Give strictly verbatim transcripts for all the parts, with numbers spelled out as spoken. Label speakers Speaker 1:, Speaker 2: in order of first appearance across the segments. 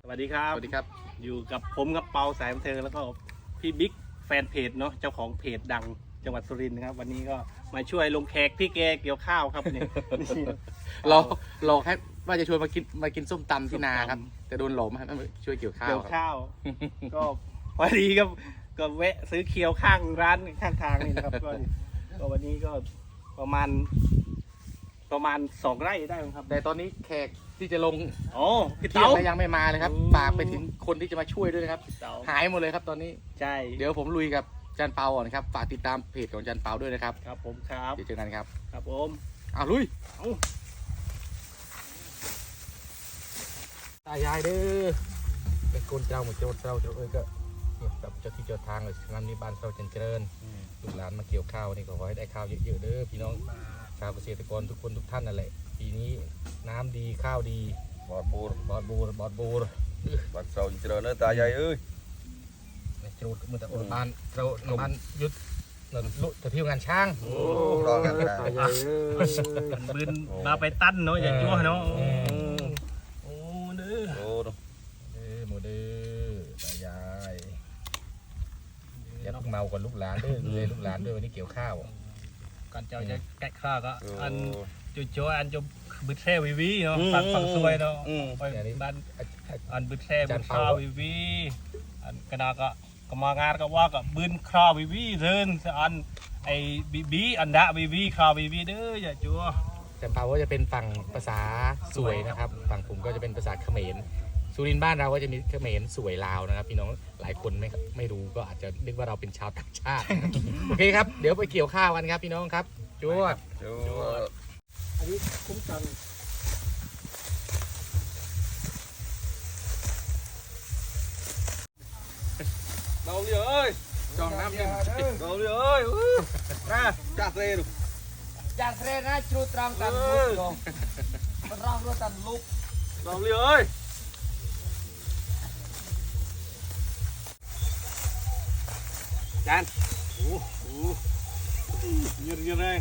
Speaker 1: วัสดีครับ
Speaker 2: สวัสดีครับ
Speaker 1: อยู่กับผมกับเปาสายบันเทิงแล้วก็พี่บิ๊กแฟนเพจเนาะเจ้าของเพจดังจังหวัดสุรินทร์นะครับวันนี้ก็มาช่วยลงแขกพี่แกเกี่ยวข้าวครับเนี่ย
Speaker 2: รอรอแค่ว่าจะชวนมากินมากินส้มตำที่นาครับแต่โดนหลอมให้มาช่วยเกี่ยวข้าว
Speaker 1: เกี่ยว
Speaker 2: ครับ
Speaker 1: ข้าว ก็พอดีก็ก็แวะซื้อเคียวข้างร้านข้างทางนี่นะครับก็ก็วันนี้ก็ประมาณ ประมาณสองไร่ได้มั้งครับ
Speaker 2: แต่ตอนนี้แขกที่จะลง
Speaker 1: อ๋อพี่
Speaker 2: เที่ย
Speaker 1: เต๋าง
Speaker 2: ยังไม่มาเลยครับ
Speaker 1: อืม
Speaker 2: ฝากไปถึงคนที่จะมาช่วยด้วยนะครับ
Speaker 1: พี่เต๋า
Speaker 2: หายหมดเลยครับตอนนี้
Speaker 1: ใช่
Speaker 2: เดี๋ยวผมลุยกับจันเปาก่อนนะครับฝากติดตามเพจของจันเปาด้วยนะครับ
Speaker 1: ครับผมครับ
Speaker 2: เดี๋ยวเจอกันครับ
Speaker 1: ครับผม
Speaker 2: อ้าวลุย
Speaker 1: เอ้า
Speaker 2: ตายายเด้อเป็นคนเจ้าหมดโจรเจ้าเจ้าเอ้ยก็เนี่ยกับเจ้าที่เจ้าทางเลยงานนี้บ้านเราเจริญลูกหลานมาเกี่ยวข้าวนี่ก็ขอให้ได้ข้าวเยอะๆเด้อพี่น้องชาวเกษตรกรทุกคนทุกท่านนั่นแหละปีนี้น้ำดีข้าวดี
Speaker 3: บอดบูร
Speaker 2: บอดบูรบอดบูร
Speaker 3: บัดเสาเจริญเนื้อตาใหญ่เอ้ย
Speaker 2: ในจรูดมือแต่โอนบ้านเราบ้านยุดเราลุจะเที่ยวงานช่าง
Speaker 3: โอ้รอกันนะ
Speaker 1: มันบืนมาไปตั้นเนาะอย่ายั่วเนาะโอ้เด้อ
Speaker 3: โอ้ดู
Speaker 2: เด้อโมเด้อตายายอย่าเพิ่งเมากับลูกหลานเด้อดูแลลูกหลานด้วยวันนี้เกี่ยวข้าว
Speaker 1: ก่อนเจ้าจะแกะข้าวก็
Speaker 3: โอ้
Speaker 1: อันจุโจอันจะบึดแท่วิวีเนาะฝั่งฝั่งซวยเนาะ
Speaker 3: อืม
Speaker 1: ไปบ้านอันบึดแท่บึดข้าววิวีอันกนาก็ก็มางานก็ว่าก็บึนคราววิวีเดินอันไอ้บีบีอันดะวิวีคราววิวีเด้ออย่าจัว
Speaker 2: แต่เปาก็จะเป็นฝั่งภาษาสวยนะครับ ฝั่งผมก็จะเป็นภาษาเขมรสุรินทร์บ้านเราก็จะมีเขมรสวยลาวนะครับ พี่น้องหลายคนไม่ไม่รู้ก็อาจจะนึกว่าเราเป็นชาวต่างชาติ โอเคครับเดี๋ยวไปเกี่ยวข้าวกันครับพี่น้องครับจวด
Speaker 3: โอ้
Speaker 1: อันนี้คุ้มกัน
Speaker 3: เราเลยเอ้ย
Speaker 2: จองน้ำยัง
Speaker 3: เราเลยเอ้ยนะจ้าเซ่ดู
Speaker 2: จางเทรนะจูตรังตันลุกลงมันร่างรู้ตันลุก
Speaker 3: เราเลยเอ้ยจานโอ้โหยืดยืดเลย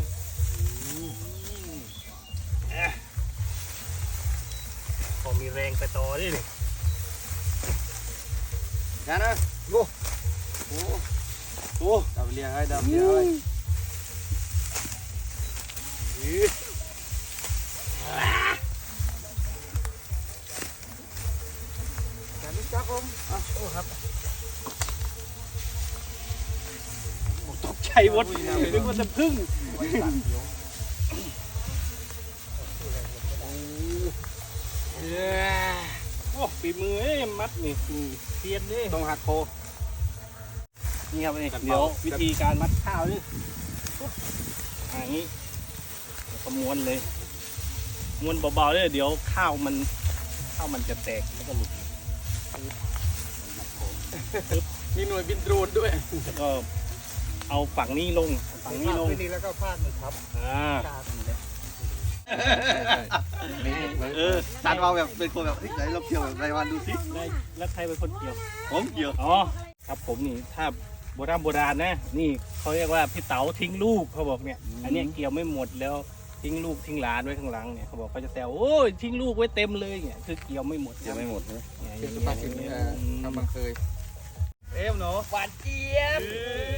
Speaker 1: พอมีแรงไปต่อดิ
Speaker 3: จานนะโอ้โหโอ้ดับเลี้ยงไอ้ดับเลี้ยงไอ้จานนี้จับผมอ่ะ
Speaker 1: โอ้ครับตกใจวดนึกว่าจะพึ่งโอ้ปีมือเอ้ยมัดนี่เทียนดิ
Speaker 3: ต้องหักโค
Speaker 1: นี่ครับนี่เดี๋ยววิธีการมัดข้าวนี่ปุ๊บอย่างนี้แล้วก็ม้วนเลยม้วนเบาๆเลยเดี๋ยวข้าวมันข้าวมันจะแตกแล้วก็หลุด
Speaker 2: มีหน่วยบินโดรนด้วย
Speaker 1: แล้วก็เอาฝั่งนี้ลงฝั่งนี้ลง
Speaker 2: นี่แล้วก็พาดมันครับ
Speaker 1: อ่า
Speaker 3: เออตันเราแบบเป็นคนแบบเฮ้ยไหนเราเกี่ยวแบบรายวันดูสิ
Speaker 1: ได้แล้วใครเป็นคนเกี่ยว
Speaker 3: ผมเกี่ยว
Speaker 1: อ๋อครับผมนี่ถ้าโบราณโบราณนะนี่เขาเรียกว่าพี่เต๋าทิ้งลูกเขาบอกเนี่ยอันเนี้ยเกี่ยวไม่หมดแล้วทิ้งลูกทิ้งหลานไว้ข้างหลังเนี่ยเขาบอกเขาจะแซวโอ้ยทิ้งลูกไว้เต็มเลยเนี่ยคือเกี่ยวไม่หมด
Speaker 3: เกี่ยวไม่หมดนะ
Speaker 1: เนี่ย
Speaker 2: เป็นสุภาษิตเอ่อทำบังเคย
Speaker 3: เอ็มเนาะ
Speaker 2: หวานเจี๊ยบ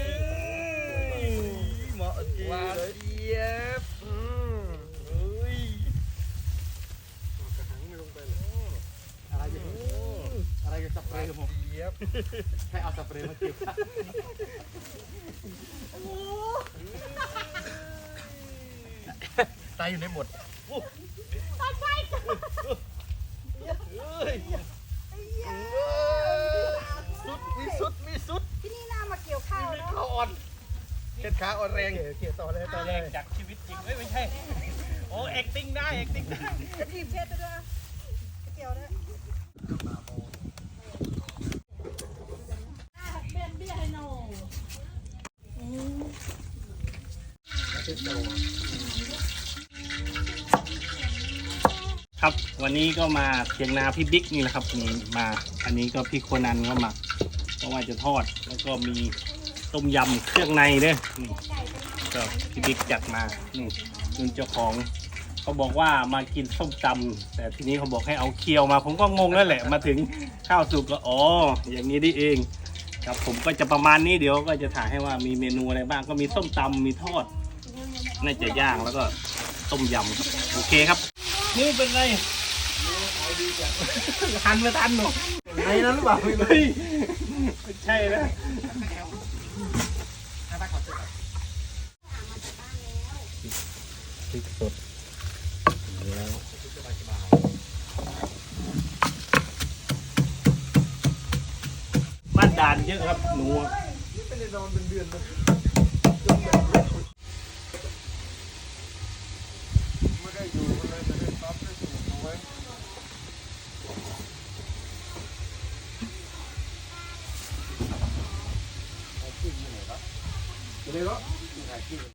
Speaker 3: เหมาะจริง
Speaker 2: หวาน
Speaker 3: เลย
Speaker 2: เจี๊ยบอืมเฮ้ยกระหังไม่ลงไปเลยอะไรจะอะไรจะสเปรย์ผมเจี๊ยบให้เอาสเปรย์มาเก็บตายอยู่ในบท
Speaker 3: สุดมีสุดมีสุด
Speaker 4: ที่นี่น่ามาเกี่ยวข้าวเนาะ
Speaker 2: ขาอ่อนเข็ดขาอ่อนแรงเขียต่อเลยต่อ
Speaker 1: แร
Speaker 2: เลย
Speaker 1: งจากชีวิตจริงเอ้ยไม่ใช่ โอ้ acting ได้ acting ได้
Speaker 4: จะทีมเช็ดไปด้วยเกี่ยวด้วยเป็นเบี้ยให้หนู
Speaker 1: ครับวันนี้ก็มาเพียงนาพี่บิ๊กนี่แหละครับนี่มาอันนี้ก็พี่โคนันก็มาเพราะว่าจะทอดแล้วก็มีต้มยำเครื่องในด้วยนี่ก็พี่บิ๊กจัดมานี่คุณเจ้าของเขาบอกว่ามากินส้มตำแต่ทีนี้เขาบอกให้เอาเคียวมา ผมก็งงแล้วแหละ มาถึงข้าวสุกก็อ๋ออย่างนี้นี่เองครับผมก็จะประมาณนี้เดี๋ยวก็จะถ่ายให้ว่ามีเมนูอะไรบ้างก็มีส้มตำมีทอดน่าจะย่างแล้วก็ต้มยำครับโอเคครับนี่เป็นไรทันไม่ทันหนู
Speaker 3: ไอ้นั้นหรือเปล่า
Speaker 1: เฮ้ยไม่ใช่นะพริกสดแล้วบ้านด่านเยอะครับหนู
Speaker 3: ไม่ได้นอนเป็นเดือนเลยไม่ได้อยู่เลยไม่ได้ซับได้สูงเอาไว้เอาขึ้นมาไหนครับไปเลยเหรอถ่ายขึ้น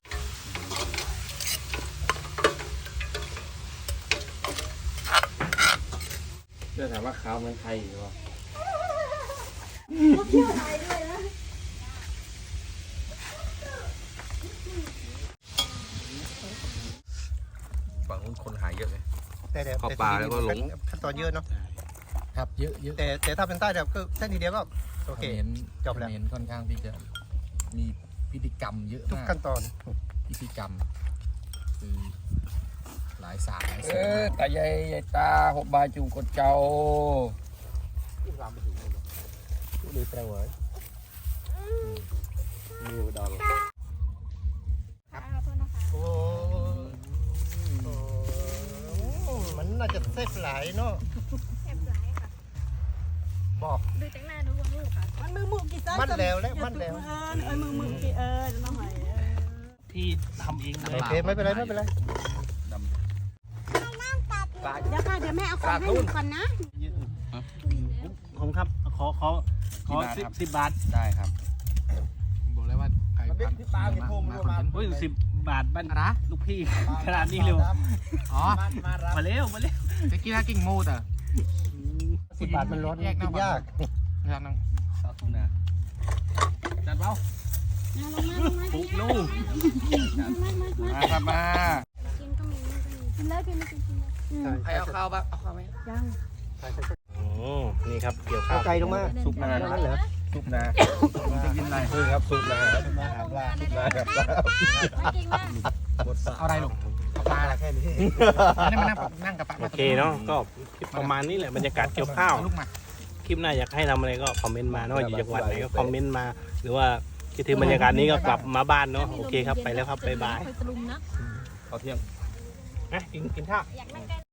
Speaker 3: เรื่องถามว่าข้าวมันใครหรือเปล่า
Speaker 2: ฝั่งนู้นคนหายเยอะเลย
Speaker 5: แต่แต่
Speaker 2: เข้าป่าแล้วก็หลง
Speaker 5: ขั้นตอนเยอะเนาะ
Speaker 2: ครับเยอะเยอะ
Speaker 5: แต่แต่ถ้าเป็นใต้แบบก็แค่ทีเดียวก็โอเค
Speaker 2: เห็น
Speaker 5: จบแล้ว
Speaker 2: เห็นค่อนข้างที่จะมีพิธีกรรมเยอะ
Speaker 5: ทุก
Speaker 2: มาก
Speaker 5: ขั้นตอน
Speaker 2: พิธีกรรมคือหลายศาสตร์หลาย
Speaker 3: เอ
Speaker 2: ศาสต
Speaker 3: อ
Speaker 2: ร์
Speaker 3: ตายายยายตาหกบาจูกดเจ้า
Speaker 5: ดูแปลว่ามีอุดรโอ้โหมันน่าจะเซฟหลายเนาะ
Speaker 4: แอบหลายค่ะ
Speaker 5: บอก
Speaker 4: ดูจากหน้าดูว่าลูกค่ะ
Speaker 6: มันมือมือกี่เส้น
Speaker 5: มันแล้วแล้วมันแล้ว
Speaker 6: เออเออมือมือกี่เออจะต้องหอยเออ
Speaker 1: พี่ทำเองเลย
Speaker 5: โอเคไม่เป็นไรไม่เป็นไร
Speaker 6: เดี๋ยวค่ะเดี๋ยวแม่เอาของให้หนูก่อนนะ
Speaker 1: ผมครับขอขอขอสิบสิบบาท
Speaker 3: ได้ครับ
Speaker 2: บอกแล้วว่าใคร
Speaker 3: มันเป็นที่ปลาเนี่ยโทรมามา
Speaker 1: โอ้ยสิบบาทบ้าน
Speaker 2: นะ
Speaker 1: ลูกพี่ขนาดนี้เร็ว
Speaker 2: อ๋อ
Speaker 1: มาเร็วมาเร็ว
Speaker 2: จะกินอะไรกิ่งมูดอ่ะ
Speaker 5: สิบบาทมันร้อนกินยาก
Speaker 2: นะครับน้อง
Speaker 1: สาธุนะจัดเปล่า
Speaker 6: มาลงมาลงมา
Speaker 1: ปุ๊กลูก
Speaker 3: มาครับมา
Speaker 6: กินก็มีกินเลยกินไม่กินกินเลย
Speaker 3: ใครเอาข้าวบ้างเอาข้าวไหม
Speaker 6: ยัง
Speaker 1: โอ้นี่ครับเกี่ยวข้า
Speaker 5: เอา
Speaker 1: ว
Speaker 5: ไก่ลงมา
Speaker 3: ซุปนา
Speaker 5: นั่นเหรอ
Speaker 3: ซุปนาจะกินอะไร
Speaker 5: คือครับสุกนะสุกนะหาปลาสุกนะหาปลา
Speaker 6: ไม่กินมาก
Speaker 2: เอาอะไรลูกเอาปลาอะไร
Speaker 5: แค่นี้
Speaker 2: นี่มานั่งนั่งกับปลา
Speaker 1: โอเคเนาะก็ประมาณนี้แหละบรรยากาศเกี่ยวข้าว
Speaker 2: ลูกมา
Speaker 1: คลิปหน้าอยากให้ทำอะไรก็คอมเมนต์มาเนาะอยู่จังหวัดไหนก็คอมเมนต์มา หรือว่าคิดถึงบรรยากาศนี้ก็กลับมาบ้านเนาะโอเคครับไปแล้วครับบ๊ายบาย
Speaker 6: ไปตะลุมนะ
Speaker 3: เอาเที่ยง
Speaker 1: นะกินกินข้าว
Speaker 6: อยากนั่งใกล้